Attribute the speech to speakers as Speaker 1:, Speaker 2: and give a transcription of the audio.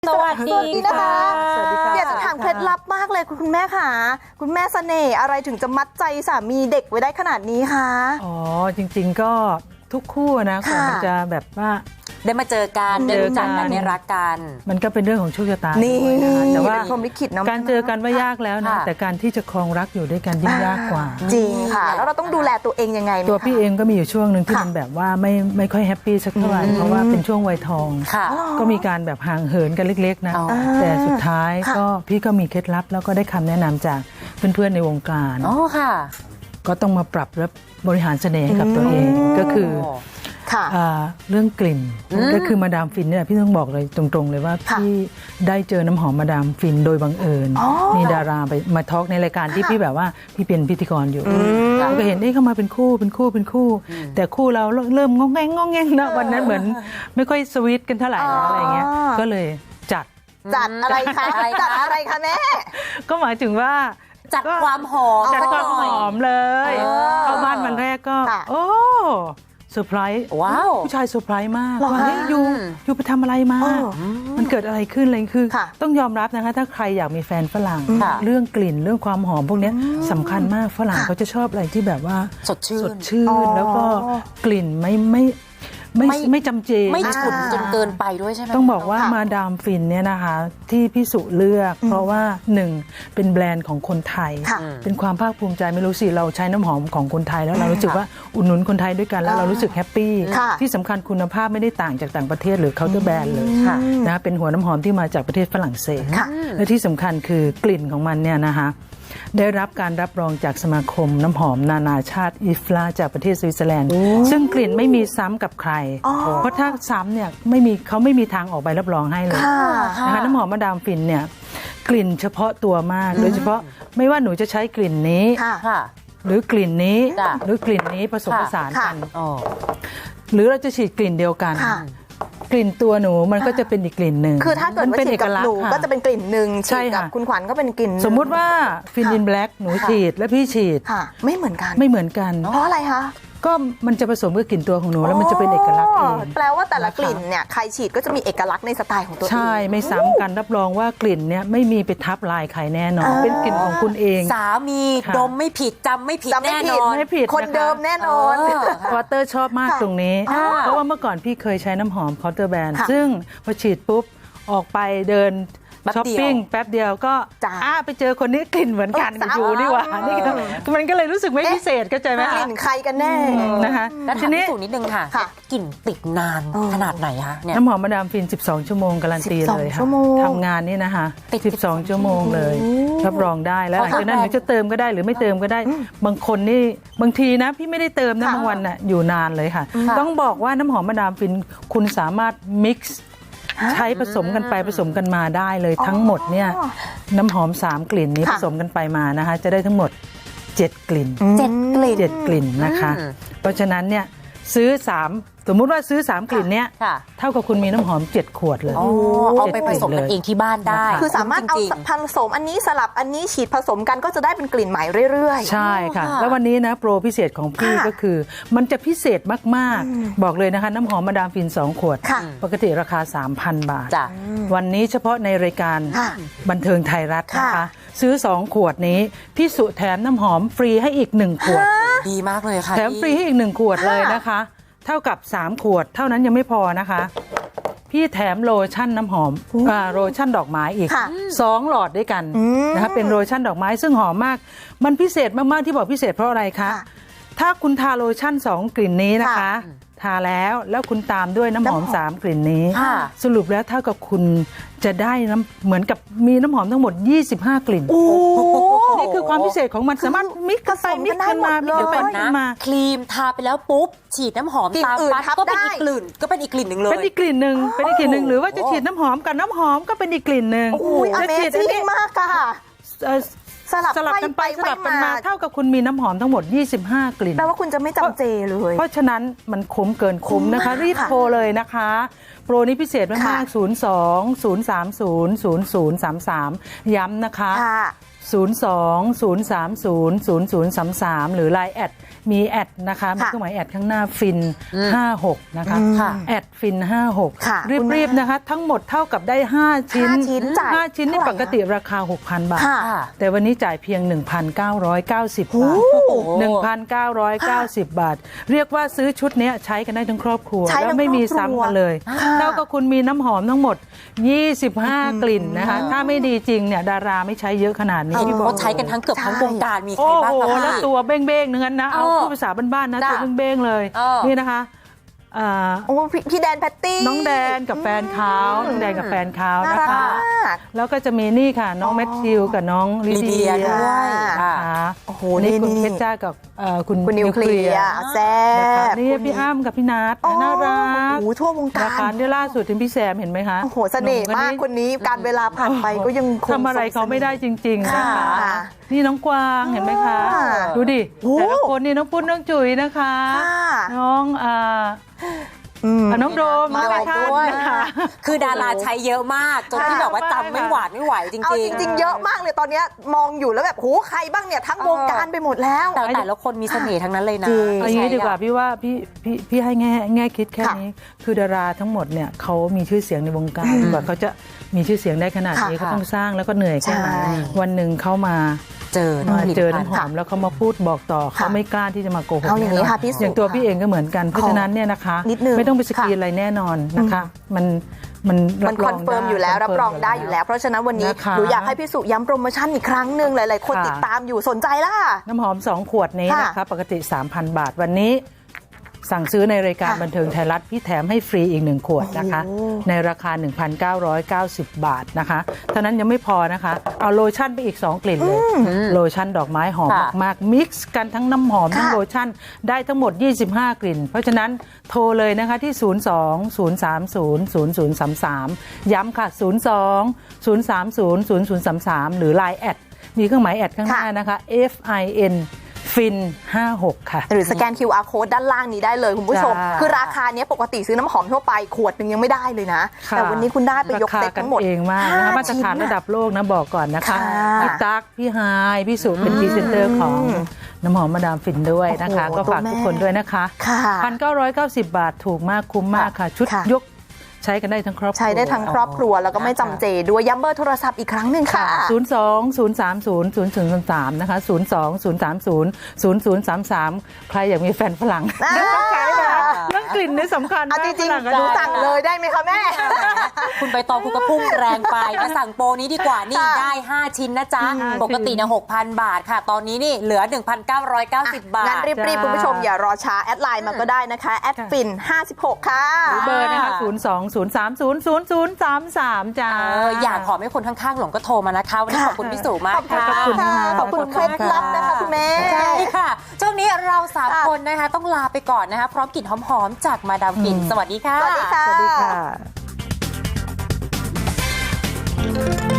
Speaker 1: สวัสดีนะคะ
Speaker 2: สวัสดีค่ะ
Speaker 1: อยากจะถามเคล็ดลับมากเลยคุณแม่ค่ะคุณแม่เสน่ห์อะไรถึงจะมัดใจสามีเด็กไว้ได้ขนาดนี้คะ
Speaker 2: อ๋อจริงๆก็ทุกคู่นะก่อนมันจะแบบว่า
Speaker 3: ได้มาเจอกันได้รู้จักกันได้รักกัน
Speaker 2: มันก็เป็นเรื่องของโชคชะตา
Speaker 1: นี่
Speaker 2: ด้วยนะคะแต่ว่า
Speaker 1: เป็นพรหมลิขิตเนาะ
Speaker 2: การเจอกันว่ายากแล้วนะแต่การที่จะครองรักอยู่ด้วยกันยิ่งยากกว่า
Speaker 1: จริงค่ะ แล้วเราต้องดูแลตัวเองยังไงไหม
Speaker 2: ตัวพี่
Speaker 1: คะ
Speaker 2: เองก็มีอยู่ช่วงหนึ่งที่มันแบบว่าไม่ค่อยแฮปปี้สักเท่าไหร่เพราะว่าเป็นช่วงวัยทอง
Speaker 3: ค่ะ
Speaker 2: ก็มีการแบบห่างเหินกันเล็กๆนะ
Speaker 3: อ๋อ
Speaker 2: แต่สุดท้าย
Speaker 1: ค่ะ
Speaker 2: ก็พี่ก็มีเคล็ดลับแล้วก็ได้คำแนะนำจากเพื่อนๆในวงการ
Speaker 3: อ๋อค่ะ
Speaker 2: ก็ต้องมาปรับและบริหารเสน่ห์ให้กับตัวเองก็คือ
Speaker 1: ค่ะ
Speaker 2: เรื่องกลิ่นก็คือมาดามฟินเนี่ยพี่ต้องบอกเลยตรงๆเลยว่า
Speaker 1: ค่ะ
Speaker 2: พี่ได้เจอน้ำหอมมาดามฟินโดยบังเอิญ
Speaker 1: อ๋อ
Speaker 2: มีดาราไปมาทอล์กในรายการที่พี่แบบว่าพี่เป็นพิธีกรอยู่ก็เห็นเข้ามาเป็นคู่แต่คู่เราเริ่มงองแงงนะวันนั้นเหมือนไม่ค่อยสวีทกันเท่าไหร่แล้วอะไรเงี้ยก็เลยจัด
Speaker 1: จัดอะไรคะ
Speaker 3: อะไรคะ
Speaker 1: จัดอะไรคะแม่
Speaker 2: ก็หมายถึงว่า
Speaker 3: จัดความหอม
Speaker 2: จัดความหอมเลย
Speaker 1: เออ
Speaker 2: เข้าบ้านวันแรกก็
Speaker 1: ค่ะ
Speaker 2: โอ้เซอร์ไพรส์
Speaker 3: ว้าว
Speaker 2: ผู้ชายเซอร์ไพรส์มาก
Speaker 1: เหรอ
Speaker 2: ว่า
Speaker 1: คะ
Speaker 2: เฮ้ยอยู่ไปทำอะไรมา
Speaker 1: เออ
Speaker 2: มันเกิดอะไรขึ้นอะไรคือ
Speaker 1: ค่ะ
Speaker 2: ต้องยอมรับนะคะ ถ้าใครอยากมีแฟนฝรั่ง
Speaker 3: ค่ะ
Speaker 2: เรื่องกลิ่นเรื่องความหอมพวกเนี้ยสำคัญมากฝรั่งเขาจะชอบอะไรที่แบบว่า
Speaker 3: สดชื่น
Speaker 2: สดชื่
Speaker 1: อ๋
Speaker 2: น
Speaker 1: อ
Speaker 2: แล้วก็กลิ่นไม่จำเจ
Speaker 3: ไม่ฉุนจนเกินไปด้วยใช่ไหม
Speaker 2: ต้องบอกว่า
Speaker 1: ค่ะ
Speaker 2: มาดามฟินเนี่ยนะคะที่พี่สุเลือก เพราะว่าหนึ่งเป็นแบรนด์ของคนไทย
Speaker 1: ค่ะ
Speaker 2: เป็นความภาคภูมิใจไม่รู้สิเราใช้น้ำหอมของคนไทยแล้วเรารู้สึกว่าอุดหนุนคนไทยด้วยกันแล้วเรารู้สึกแฮปปี้
Speaker 1: ค่ะ
Speaker 2: ที่สำคัญคุณภาพไม่ได้ต่างจากต่างประเทศหรือเคาน์เตอร์แบรนด์เลย
Speaker 3: ค่ะ
Speaker 2: นะเป็นหัวน้ำหอมที่มาจากประเทศฝรั่งเศส
Speaker 1: ค่ะ
Speaker 2: และที่สำคัญคือกลิ่นของมันเนี่ยนะคะได้รับการรับรองจากสมาคมน้ำหอมนานาชาติอิฟลาจากประเทศสวิตเซอร์แลนด์ซึ่งกลิ่นไม่มีซ้ำกับใคร เพราะถ้าซ้ำเนี่ยเขาไม่มีทางออกใบรับรองให้เลย
Speaker 1: ค่ะ
Speaker 2: นะคะน้ำหอมมาดามฟินเนี่ยกลิ่นเฉพาะตัวมาก โดยเฉพาะไม่ว่าหนูจะใช้กลิ่นนี้
Speaker 1: ค่ะ
Speaker 3: ค่ะ
Speaker 2: หรือกลิ่นนี้
Speaker 3: จ้ะ
Speaker 2: หรือกลิ่นนี้ผสมผสานกัน
Speaker 3: อ๋อ
Speaker 2: หรือเราจะฉีดกลิ่นเดียวกัน
Speaker 1: ค่ะ
Speaker 2: กลิ่นตัวหนูมันก็จะเป็นอีกกลิ่นหนึ่ง
Speaker 1: คือถ้าเกิด
Speaker 2: มัน
Speaker 1: ว่า
Speaker 2: เป็น
Speaker 1: ฉี
Speaker 2: เอ
Speaker 1: ด
Speaker 2: ก
Speaker 1: กับ
Speaker 2: ลัก
Speaker 1: ห
Speaker 2: ษ
Speaker 1: นู
Speaker 2: ณ์ค่ะ
Speaker 1: ก็จะเป็นกลิ่นหนึ่ง
Speaker 2: ใช่
Speaker 1: ฉีดกับ
Speaker 2: ค่ะ
Speaker 1: คุณขวัญก็เป็นกลิ่นหนึ่ง
Speaker 2: สมมุติว่าฟินอินแบล็กหนูฉีดและพี่ฉีด
Speaker 1: ค่ะ ไม่เหมือนกัน
Speaker 2: ไม่เหมือนกัน
Speaker 1: เพราะอะไรคะ
Speaker 2: ก็มันจะผสมกับกลิ่นตัวของหนูแล้วมันจะเป็นเอกลักษณ์เอง
Speaker 1: แปลว่าแต่ละกลิ่นเนี่ยใครฉีดก็จะมีเอกลักษณ์ในสไตล์ของตัวเอง
Speaker 2: ใช่ไม่ซ้ำกันรับรองว่ากลิ่นเนี่ยไม่มีไปทับลายใครแน่นอน เป็นกลิ่นของคุณเอง
Speaker 3: สามี
Speaker 2: ค่ะ
Speaker 3: ดมไม่ผิดจำไม่ผิด
Speaker 1: จำไม่
Speaker 3: แน่
Speaker 1: ผิ
Speaker 3: น
Speaker 1: ด
Speaker 3: อน
Speaker 2: ไม่ผิด
Speaker 1: คน
Speaker 2: นะคะ
Speaker 1: เดิมแน่นอน
Speaker 2: วอเตอร์ชอบมาก
Speaker 1: ค่ะ
Speaker 2: ตรงนี้
Speaker 3: อ่า
Speaker 2: เพราะว่าเมื่อก่อนพี่เคยใช้น้ำหอมเคาน์เตอร์แบรนด์
Speaker 1: ค่ะ
Speaker 2: ซึ่งพอฉีดปุ๊บ ออกไปเดิน
Speaker 3: แป๊บ
Speaker 2: ช้อป
Speaker 3: เดียว
Speaker 2: ปิ้งแป๊บเดียวก็
Speaker 1: จ้ะ
Speaker 2: ไปเจอคนนี้กลิ่นเหมือนกัน
Speaker 1: ซ้ำ
Speaker 2: อยู่นี่หว่านี่ก็มันก็เลยรู้สึกไม่พิเศษเข้าใจไหม
Speaker 1: กลิ่นใครกันแน่
Speaker 2: นะคะ
Speaker 3: แล้ว
Speaker 2: ที
Speaker 3: ถาม
Speaker 2: นี้
Speaker 3: พี่สุนิดนึงค่ะ
Speaker 1: ค่ะ
Speaker 3: กลิ่นติดนานขนาดไหนคะเนี่ย
Speaker 2: น้ำหอมมาดามฟิน 12 ชั่วโมงการันตีเลย
Speaker 1: 12
Speaker 2: ค่ะ
Speaker 1: ชั่วโมง
Speaker 2: ทำงานนี่นะคะ
Speaker 3: ติด
Speaker 2: 12 ชั่วโมงเลยรับรองได้แล้วหลังจากนั้นหนูจะเติมก็ได้หรือไม่เติมก็ได้ บางคนนี่บางทีนะพี่ไม่ได้เติมนะ
Speaker 1: ค่ะ
Speaker 2: บางวันน่ะอยู่นานเลยค่ะ ต้องบอกว่าน้ำหอมมาดามฟินคุณสามารถมิกซ์ใช้ผสมกันไปผสมกันมาได้เลยทั้งหมดเนี่ยน้ำหอม 3 กลิ่นนี้
Speaker 1: ค่ะ
Speaker 2: ผสมกันไปมานะคะจะได้ทั้งหมด 7 กลิ่น
Speaker 3: 7 กลิ่น
Speaker 2: 7 กลิ่นนะคะ เพราะฉะนั้นเนี่ยซื้อ 3 สมมุติว่าซื้อ 3 กลิ่นเนี้ย
Speaker 3: ค่ะ
Speaker 2: เท่ากับคุณมีน้ำหอม 7 ขวดเลย
Speaker 3: อ๋อเอาไปผสมกันเองที่บ้านได้
Speaker 1: คือสามารถเอา
Speaker 3: จง
Speaker 1: ผสมอันนี้สลับอันนี้ฉีดผสมกันก็จะได้เป็นกลิ่นใหม่เรื่อยๆ
Speaker 2: ใช่ค่ะ
Speaker 3: ค่ะ
Speaker 2: แล้ววันนี้นะโปรพิเศษของพี่
Speaker 1: ค่ะ
Speaker 2: ก็คือ มันจะพิเศษมากๆ บอกเลยนะคะ น้ำหอมมาดามฟิน 2 ขวด
Speaker 1: ค่ะ
Speaker 2: ปกติราคา 3,000 บาท
Speaker 3: จ้ะ
Speaker 2: วันนี้เฉพาะในรายการ
Speaker 1: ค่ะ
Speaker 2: บันเทิงไทยรัฐนะคะ
Speaker 1: ค่ะ
Speaker 2: ซื้อ 2 ขวดนี้ พี่สุแถมน้ำหอมฟรีให้อีก 1 ขวด
Speaker 3: ดีมากเลยค่ะ
Speaker 2: แถมฟรีให้อีก 1 ขวดเลยนะคะ เท่ากับ 3 ขวด เท่านั้นยังไม่พอนะคะ พี่แถมโลชั่นน้ำหอมโลชั่นดอกไม้อีก
Speaker 1: ค่ะ
Speaker 2: 2 หลอดด้วยกันนะคะเป็นโลชั่นดอกไม้ซึ่งหอมมาก มันพิเศษมาก ๆ ที่บอกพิเศษเพราะอะไรคะ
Speaker 1: ค่ะ
Speaker 2: ถ้าคุณทาโลชั่น 2 กลิ่นนี้นะคะ
Speaker 1: ค่ะ
Speaker 2: ทาแล้วคุณตามด้วยน้ำหอม 3 กลิ่นนี้
Speaker 3: ค่ะ
Speaker 2: สรุปแล้วเท่ากับคุณจะได้เหมือนกับมีน้ำหอมทั้งหมด 25 กลิ่น
Speaker 1: โอ้
Speaker 2: นี่คือความพิเศษของมันสามารถมิกซ์กันไป
Speaker 1: ผสม
Speaker 2: มิ
Speaker 1: กั
Speaker 2: ก
Speaker 1: น
Speaker 2: ซ์กันมา
Speaker 1: ได้
Speaker 2: มิก
Speaker 1: หม
Speaker 2: ซ์
Speaker 1: ด
Speaker 2: กันไป
Speaker 1: เลย
Speaker 2: มิกซ์กันมา
Speaker 3: ครีมทาไปแล้วปุ๊บ ฉีดน้ำหอม
Speaker 1: กลิ่น
Speaker 3: ตาม
Speaker 1: อื่น
Speaker 3: ปั๊บ
Speaker 1: ทับ
Speaker 3: ก็เป็น
Speaker 1: ได้
Speaker 3: อีกกลิ่นก็เป็นอีกกลิ่นหนึ่งเลย
Speaker 2: เป็นอีกกลิ่นหนึ่งเป็นอีกกลิ่นหนึ่งหรือว่าจะฉีดน้ำหอมกับน้ำหอมก็เป็นอีกกลิ่นหนึ่ง
Speaker 1: อุ้ย
Speaker 2: จะฉีดอัน
Speaker 1: Amazing
Speaker 2: นี้
Speaker 1: มากค่ะ
Speaker 2: เอ่อ
Speaker 1: สลับ
Speaker 2: สลับกันไป
Speaker 1: ไขว้
Speaker 2: สลับกันมา
Speaker 1: ไขว้
Speaker 2: เท่ากับคุณมีน้ำหอมทั้งหมด 25 กลิ่น
Speaker 1: แปลว่าคุณจะไม่จำเจเลย
Speaker 2: เพราะฉะนั้นมันคุ้มเกินคุ้มนะคะ รีบโทรเลยนะคะโปรนี้พิเศษมากๆ 02-030-0033 ย้ำนะคะ
Speaker 1: ค่ะ
Speaker 2: 02-030-0033 หรือ Line แอดมีแอดนะคะมีเครื่องหมายแอดข้างหน้าฟิน 56 นะคะ
Speaker 3: ค่ะ
Speaker 2: แอดฟิน
Speaker 1: ค่ะ
Speaker 2: 56 รีบๆนะคะ ทั้งหมดเท่ากับได้ 5 ชิ้น
Speaker 1: 5 ชิ้นจ่าย
Speaker 2: 5 ชิ้นนี่
Speaker 1: เท่าไหร่
Speaker 2: ปกติราคา 6,000 บาท
Speaker 1: ค่ะ
Speaker 2: แต่วันนี้จ่ายเพียง 1,990 บาท 1,990 บาท เรียกว่าซื้อชุดเนี้ยใช้กันได้ทั้งครอบครัว
Speaker 1: ใช้ทั้ง
Speaker 2: แล้วไม่มี
Speaker 1: ครอบครัว
Speaker 2: ซ้ำกันเลย
Speaker 1: ค่ะ
Speaker 2: เท่ากับคุณมีน้ำหอมทั้งหมด 25 กลิ่นนะคะ ถ้าไม่ดีจริงเนี่ยดาราไม่ใช้เยอะขนาดนี้
Speaker 3: เห็น
Speaker 2: ที่บอ
Speaker 3: ว่าก ใช้กันทั้งเกือบทั้งวงการมีใคร
Speaker 2: โอ้
Speaker 3: บ้าง
Speaker 2: โห
Speaker 3: คะ
Speaker 2: แล้ว
Speaker 3: พี่
Speaker 2: ตัวเบ้งๆนั้นนะ เอาพูดภาษาบ้านๆนะ
Speaker 3: จ้ะ
Speaker 2: ตัวเบ้งๆเลย นี่นะคะอ่า
Speaker 1: โอ้พี่แดนแพตตี้
Speaker 2: น้องแดนกับแฟนเขาน้องแดนกับแฟนเขา
Speaker 1: น่า
Speaker 2: นะ
Speaker 1: รัก
Speaker 2: คะ
Speaker 1: มาก
Speaker 2: แล้วก็จะมีนี่ค่ะ น้องแมทธิวกับน้องลิ
Speaker 3: ลิเดี
Speaker 2: เดี
Speaker 3: ย
Speaker 2: ย
Speaker 3: ด้วย
Speaker 2: นะ
Speaker 3: ค่ะ
Speaker 2: คะ
Speaker 1: โอ้โห
Speaker 2: นี่คุณ
Speaker 1: นี่
Speaker 2: เพชรจ้ากับคุณ
Speaker 1: คุณนิวเคลียร์แซ่
Speaker 2: นะคะ
Speaker 1: บ
Speaker 2: นี่พี่อ้ำกับพี่นัท
Speaker 1: โอ้
Speaker 2: น่ารัก
Speaker 1: โอ้โหทั่ววงการ
Speaker 2: นะคะนี่ล่าสุดถึงพี่แซมเห็นไหมคะ
Speaker 1: โอ้โหเสน่ห์มากคนนี้การเวลาผ่านไปก็ยังคง
Speaker 2: ทำอะไรเขาไม่ได้จริงๆนะคะ
Speaker 1: ค่ะ
Speaker 2: นี่น้องกวางเห็นไหมคะ
Speaker 1: ค่ะ
Speaker 2: ดูดิ
Speaker 1: โอ้
Speaker 2: แต่ละคนนี่น้องปุ้นน้องจุ๋ยนะคะ
Speaker 1: ค่ะ
Speaker 2: น้องน้องโดม
Speaker 3: มา
Speaker 2: น้องท่าน
Speaker 3: ด้วย
Speaker 2: นะคะ
Speaker 3: คือดาราใช้เยอะมาก จนที่แบบว่าจำไม่หวาดไม่ไหวจ
Speaker 1: เอา
Speaker 3: ริง
Speaker 1: จริง ๆ เยอะมากเลยตอนเนี้ยมองอยู่แล้วแบบโหใครบ้างเนี่ยทั้งวงการไปหมดแล้ว
Speaker 3: ๆ แต่ละคนมีเสน่ห์ทั้งนั้นเลยนะ
Speaker 1: จริง
Speaker 2: เอาอย่างนี้ดีกว่าพี่ว่าพี่ให้แง่คิดแค่
Speaker 1: ค่ะ
Speaker 2: นี้ คือดาราทั้งหมดเนี่ยเขามีชื่อเสียงในวงการกว่าเขาจะมีชื่อเสียงได้ขนาดนี้
Speaker 1: ค่ะ
Speaker 2: เขาต้องสร้างแล้วก็เหนื่อยแค่ไหน
Speaker 1: ใช่
Speaker 2: วันหนึ่งเขามา
Speaker 3: เจอ
Speaker 2: เจอ
Speaker 3: ผลิตภัณฑ์
Speaker 2: น้ำหอมแล้วเขามาพูดบอกต่อเขาไม่กล้าที่จะมาโกหก
Speaker 1: เอาอย่างนี้ค่ะพี่สุ
Speaker 2: อย่างตัวพี่เองก็เหมือนกันเพราะฉะนั้นเนี่ยนะคะ
Speaker 1: นิดนึง
Speaker 2: ไม่ต้องไปสกรีน
Speaker 1: ค่ะ
Speaker 2: อะไรแน่นอนนะคะ มัน
Speaker 1: มัน
Speaker 2: รับ
Speaker 1: คอนเฟิร์มอยู่แล้ว รับรองได้อยู่แล้ว เพราะฉะนั้นวันนี้
Speaker 2: นะคะ
Speaker 1: หนูอยากให้พี่สุย้ำโปรโมชั่นอีกครั้งหนึ่งหลายๆ คน
Speaker 2: ค่ะ
Speaker 1: ติดตามอยู่สนใจล่ะ
Speaker 2: น้ำหอม 2 ขวดนี้
Speaker 1: ค่ะ
Speaker 2: นะคะปกติ 3,000 บาทวันนี้ สั่งซื้อในรายการ
Speaker 1: ค่ะ
Speaker 2: บันเทิงไทยรัฐพี่แถมให้ฟรีอีก 1 ขวดนะคะ
Speaker 1: โอ้โห
Speaker 2: ในราคา 1,990 บาทนะคะเท่านั้นยังไม่พอนะคะ เอาโลชั่นไปอีก 2 กลิ่นเลย โลชั่นดอกไม้หอม
Speaker 3: ค่ะ
Speaker 2: มากๆมิกซ์กันทั้งน้ำหอม ทั้ง
Speaker 1: ค่ะ
Speaker 2: โลชั่นได้ทั้งหมด 25 กลิ่น เพราะฉะนั้นโทรเลยนะคะที่ 02-030-0033 ย้ำค่ะ 02-030-0033 หรือ Line แอดมีเครื่องหมายแอดข้างหน้านะคะ FIN ฟิน 56 ค่ะ
Speaker 1: หรือสแกน QR code ด้านล่างนี้ได้เลยคุณผู้ชม
Speaker 2: จ้า
Speaker 1: คือราคาเนี้ยปกติซื้อน้ำหอมทั่วไปขวดหนึ่งยังไม่ได้เลยนะ
Speaker 2: ค่ะ
Speaker 1: แต่วันนี้คุณได้ไปยกเซ็ตทั้งหมด
Speaker 2: ราคากันเองมากนะคะ
Speaker 1: 5
Speaker 2: มาตรฐานระดับโลกนะบอกก่อนนะคะ
Speaker 1: ค่ะ
Speaker 2: พี่ตั๊กพี่ไฮายพี่สุเป็นพรีเซนเตอร์ของน้ำหอมมาดามฟินด้วยนะคะ
Speaker 1: โอ้โห
Speaker 2: ก็ฝาก
Speaker 1: ตัวแม่
Speaker 2: ทุกคนด้วยนะคะ
Speaker 1: ค่ะ
Speaker 2: 1,990 บาทถูกมากคุ้มมากค่ะ ชุด
Speaker 1: ค่ะ
Speaker 2: ยกใช้กันได้ทั้งครอบครัว
Speaker 1: ใช้ได้ทั้งครอบครัวแล้วก็ไม่จำเจด้วยย้ำเบอร์โทรศัพท์อีกครั้งหนึ่งค่ะ
Speaker 2: 02-030-0033 นะคะ 02-030-0033 ใครอยากมีแฟนฝรั่ง
Speaker 1: อ่า
Speaker 2: ต้องใช้นะเรื่องกลิ่นนี่สำคัญ
Speaker 1: เอา
Speaker 2: มาก
Speaker 1: จริง
Speaker 2: ฝรั่
Speaker 1: ๆหนูสั่งเลยได้ไหมคะแม่
Speaker 3: คุณใบตองคุณก็พุ่งแรงไปมาสั่งโปรนี้ดีกว่านี่
Speaker 1: ค่ะ
Speaker 3: ได้ 5 ชิ้นนะจ๊ะ
Speaker 2: 5
Speaker 3: ปกตินะ 6,000 บาทค่ะ ตอนนี้นี่เหลือ 1,990 บาท
Speaker 1: งั้นรีบ
Speaker 2: จ้า
Speaker 1: คุณผู้ชมอย่ารอช้าแอดไลน์มาก็ได้นะคะแอดฟิน56ค่ะ
Speaker 2: หรือเบอร์นะคะ 02-030-0033 จ้า
Speaker 3: อยากขอให้คนข้างๆหลงก็โทรมานะคะ วันนี้
Speaker 1: ค่ะ
Speaker 3: ขอบคุณพี่สุมากค่ะ
Speaker 2: ขอบคุณค่ะ
Speaker 1: ขอบคุณเคล็ดลับนะคะคุณแม่
Speaker 3: ใช่ค่ะ ช่วงนี้เรา 3 คนนะคะ ต้องลาไปก่อนนะคะ พร้อมกลิ่นหอมๆจากมาดามฟิน สวัสดีค่ะ
Speaker 1: สวัสดีค่ะ
Speaker 2: สวัสดีค่ะ